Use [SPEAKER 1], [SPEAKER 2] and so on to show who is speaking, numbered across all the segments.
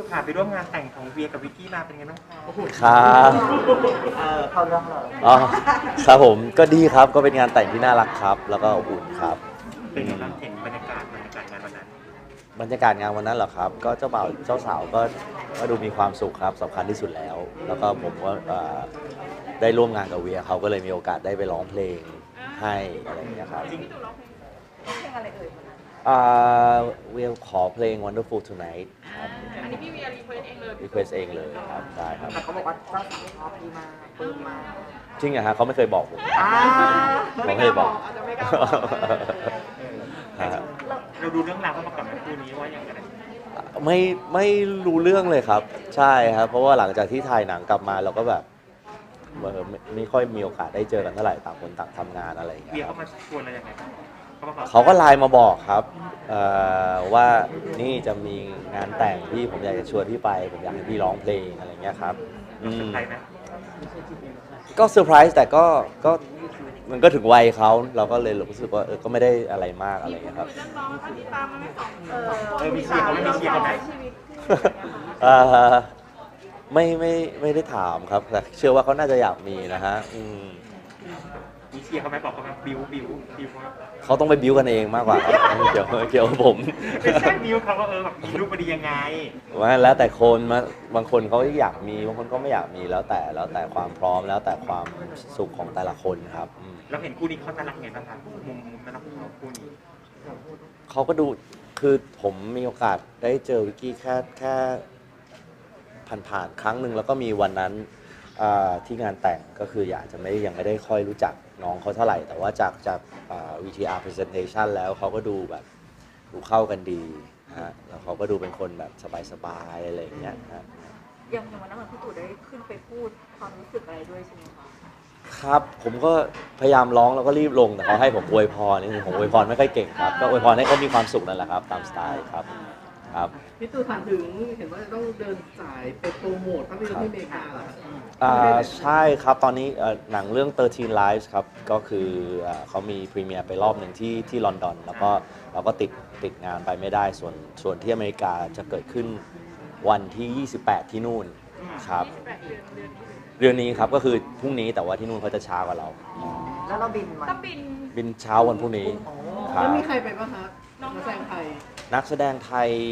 [SPEAKER 1] ค่ะไปร่วมงานแต่งของเวียกับวิกกี้มาเป็นไงบ้างคะ
[SPEAKER 2] ครับ
[SPEAKER 3] เข้าเรื่องเลย
[SPEAKER 2] อ๋อครับผมก็ดีครับก็เป็นงานแต่งที่น่ารักครับ แล้วก็อบอุ่นครับ
[SPEAKER 1] เป็นไงบ้างเห็นบรรยากาศงานวันนั้น
[SPEAKER 2] บรรยากาศงานวันนั้นเหรอครับ ก็เจ้าบ่าวเจ้าสาวก็ดูมีความสุขครับสำคัญที่สุดแล้ว แล้วก็ผมก็ได้ร่วมงานกับเวียเขาก็เลยมีโอกาสได้ไปร้องเพลงให้อะไรอย่างเงี้ยครับ
[SPEAKER 1] จริง
[SPEAKER 4] เพลงอะไรเอ่ย
[SPEAKER 2] เวียขอเพลง Wonderful Tonight ครับ
[SPEAKER 4] อันนี้พี่เวียรีเควสเองเลย
[SPEAKER 2] request เองเลยครับใช่ครับ
[SPEAKER 3] แต่เขาบอกว่าเจ้าสาวชอบพี่มากปลื้มมาก
[SPEAKER 2] จริงเหรอฮะเขาไม่เคยบอกผม
[SPEAKER 3] อ่า
[SPEAKER 2] เขาไม่เคยบอก
[SPEAKER 4] อาจจะไม่กล้าบอก
[SPEAKER 2] ฮะ
[SPEAKER 1] เราดูเรื่องราวเขาประกอบในคู่นี้ว่าอย่างไร
[SPEAKER 2] ไม่รู้เรื่องเลยครับ ใช่ครับ เพราะว่าหลังจากที่ถ่ายหนังกลับมาเราก็แบบไม่ค่อยมีโอกาสได้เจอกันเท่าไหร่ต่างคนต่างทำงานอะไรอย่างเงี้
[SPEAKER 1] เวีย
[SPEAKER 2] ยค
[SPEAKER 1] เขา
[SPEAKER 2] รับ
[SPEAKER 1] มาชวนอะไรยังไงบ้างบอก
[SPEAKER 2] เขาก็ไลน์มาบอกครับว่านี่จะมีงานแต่งพี่ผมอยากจะชวนพี่ไปผมอยากให้พี่ร้องเพลงอะไรอย่างเงี้ยครับอื
[SPEAKER 1] เป็น
[SPEAKER 2] ม
[SPEAKER 1] ใครไหม
[SPEAKER 2] ก็เซอร์ไพรส์แต่ก็มันก็ถึงวัยเขาเราก็เลยรู้สึกว่าก็ไม่ได้อะไรมากอะไรอย่างเงี้ยครับ
[SPEAKER 4] เรื่องน้องแล้วก็ที่ตามมาไม่สอง
[SPEAKER 1] มีเชียร์เขาไม่มีเชียร์เขาไหม
[SPEAKER 4] ชีวิต
[SPEAKER 2] เอ่อไม่ได้ถามครับแต่เชื่อว่าเขาน่าจะอยากมีนะฮะ
[SPEAKER 1] มีเชียร์เขาไหมบอกเขาไหมบิวเขา
[SPEAKER 2] เขาต้องไปบิ้วกันเองมากกว่าครับไม่เกี่ยวกับผม
[SPEAKER 1] ไม่ใช่บิวเขาว่าแบบมีลูกมาดียังไง
[SPEAKER 2] ว่าแล้วแต่คนมาบางคนเขาอยากมีบางคนก็ไม่อยากมีแล้วแต่ความพร้อมแล้วแต่ความสุขของแต่ละคนครับ
[SPEAKER 1] เราเห็นคู่นี้เขาน่ารักไงบ้างคะมุมน่ารักของเขาคู่นี้
[SPEAKER 2] เขาก็ดูคือผมมีโอกาสได้เจอวิกกี้แค่ผ่านครั้งหนึ่งแล้วก็มีวันนั้นที่งานแต่งก็คือยังไม่ได้ค่อยรู้จักน้องเขาเท่าไหร่ แต่ว่าจากVTR presentation แล้วเขาก็ดูแบบดูเข้ากันดีฮะแล้วเขาก็ดูเป็นคนแบบสบายๆอะไรอย่างเงี้ยฮะ
[SPEAKER 4] อย่างวันนั้นพี่ตู่ได้ขึ้นไปพูดความรู้สึกอะไรด้วยใช่ไหมคะ
[SPEAKER 2] ครับผมก็พยายามร้องแล้วก็รีบลงแต่เขาให้ผมอวยพรนี่ผมอวยพรไม่ค่อยเก่งครับก็อวยพรให้เขามีความสุขนั่นแหละครับตามสไตล์ครับ
[SPEAKER 5] พี่ตู่ถามถึงเห็นว่าจะต้องเดินสายไปโปรโมทภาพยนตร์ที่อเมริกาเหรอครับ
[SPEAKER 2] ใช่ครับตอนนี้หนังเรื่อง 13 Lives ครับก็คือเขามีพรีเมียร์ไปรอบหนึ่งที่ลอนดอนแล้วก็เราก็ติดงานไปไม่ได้ส่วนที่อเมริกาจะเกิดขึ้นวันที่ 28 ที่นู่นครับเดือนนี้ครับก็คือพรุ่งนี้แต่ว่าที่นู่นเขาจะช้ากว่าเรา
[SPEAKER 3] แล้วเราบินมา
[SPEAKER 4] ต้องบิน
[SPEAKER 2] บินเช้าวันพรุ่งนี้ครั
[SPEAKER 5] แล้
[SPEAKER 2] บ
[SPEAKER 5] วมีใครไปบ้างคะนักแสดงไทย
[SPEAKER 2] นักแสดงไทย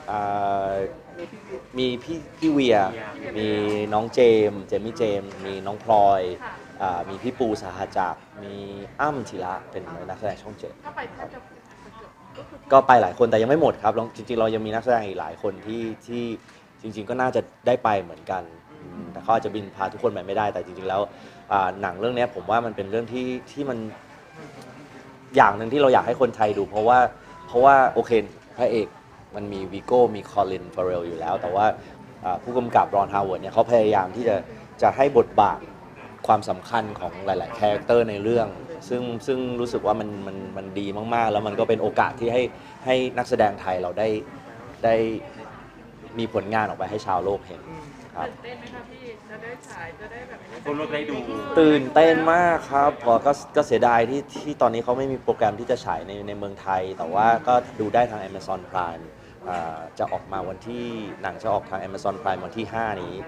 [SPEAKER 5] มีพี่
[SPEAKER 2] มีพี่เวีย มีน้องเจมี่เจมส์มีน้องพลอยมีพี่ปูสหจักรมีอ้ำธีระเป็นนักแสดงช่องเจ็ด
[SPEAKER 4] ถ้าไปแทบจะ
[SPEAKER 2] ก็ไปหลายคนแต่ยังไม่หมดครับจริงๆเรายังมีนักแสดงอีกหลายคนที่จริงๆก็น่าจะได้ไปเหมือนกันแต่เขาอาจจะบินพาทุกคนไปไม่ได้แต่จริงๆแล้วหนังเรื่องนี้ผมว่ามันเป็นเรื่องที่มันอย่างหนึ่งที่เราอยากให้คนไทยดูเพราะว่าโอเคพระเอกมันมีวีโก้มีคอลินฟาเรลอยู่แล้วแต่ว่าผู้กำกับรอนฮาวเวิร์ดเนี่ยเขาพยายามที่จะให้บทบาทความสำคัญของหลายๆคาแรคเตอร์ในเรื่องซึ่งรู้สึกว่ามันดีมากๆแล้วมันก็เป็นโอกาสที่ให้นักแสดงไทยเราได้มีผลงานออกไปให้ชาวโลกเห็นครับ
[SPEAKER 4] ตื่นเต้นไหมคะพี่จะได้ฉายจะได้แบบ
[SPEAKER 1] คนรถได้ดู
[SPEAKER 2] ตื่นเต้นมากครับพอก็เสียดายที่ตอนนี้เขาไม่มีโปรแกรมที่จะฉายในเมืองไทย แต่ว่าก็ดูได้ทาง Amazon Prime จะออกมาวันที่หนังจะออกทาง Amazon Prime วันที่ 5 นี้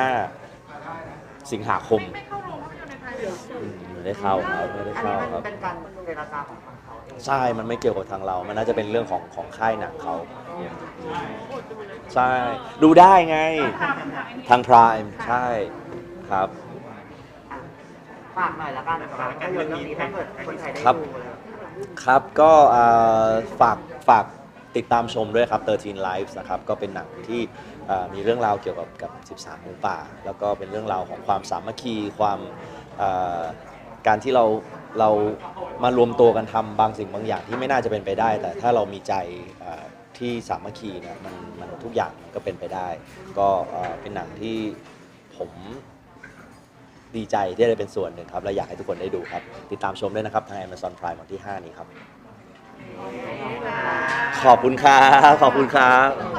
[SPEAKER 2] 5 สิงหาคม
[SPEAKER 4] ไม่เข้าโรงภาพยนตร์ในไทยเลย
[SPEAKER 2] ไม่ได้เข้าครับไม่ได้
[SPEAKER 3] อัน
[SPEAKER 2] เข้า
[SPEAKER 3] นี้
[SPEAKER 2] ค
[SPEAKER 3] มั
[SPEAKER 2] รับ
[SPEAKER 3] นเป็นการเจรจาของฝั่งเขาเอง
[SPEAKER 2] ใช่มันไม่เกี่ยวกับทางเรา มันน่าจะเป็นเรื่องของค่ายหนังเขาใช่ดูได้ไงทาง Prime ใช่ครับ
[SPEAKER 3] อ่ะฝากหน่อยละกันสำหรับภาพยนตร์เรื่องนี้ถ้าเกิดคนไทยได้
[SPEAKER 2] ครับ
[SPEAKER 3] ดูเลย
[SPEAKER 2] ครับก็ฝากติดตามชมด้วยครับ 13 Lives นะครับก็เป็นหนังที่มีเรื่องราวเกี่ยวกับ 13 หมูป่า แล้วก็เป็นเรื่องราวของความสามัคคีความการที่เรามารวมตัวกันทำบางสิ่งบางอย่างที่ไม่น่าจะเป็นไปได้ แต่ถ้าเรามีใจที่สามัคคีเนี่ยมันทุกอย่างมันก็เป็นไปได้ ก็เป็นหนังที่ผมดีใจที่ได้เป็นส่วนหนึ่งครับและอยากให้ทุกคนได้ดูครับติดตามชมด้วยนะครับทาง Amazon Prime วันที่ 5 นี้ครับขอบคุณครับขอบคุณครับ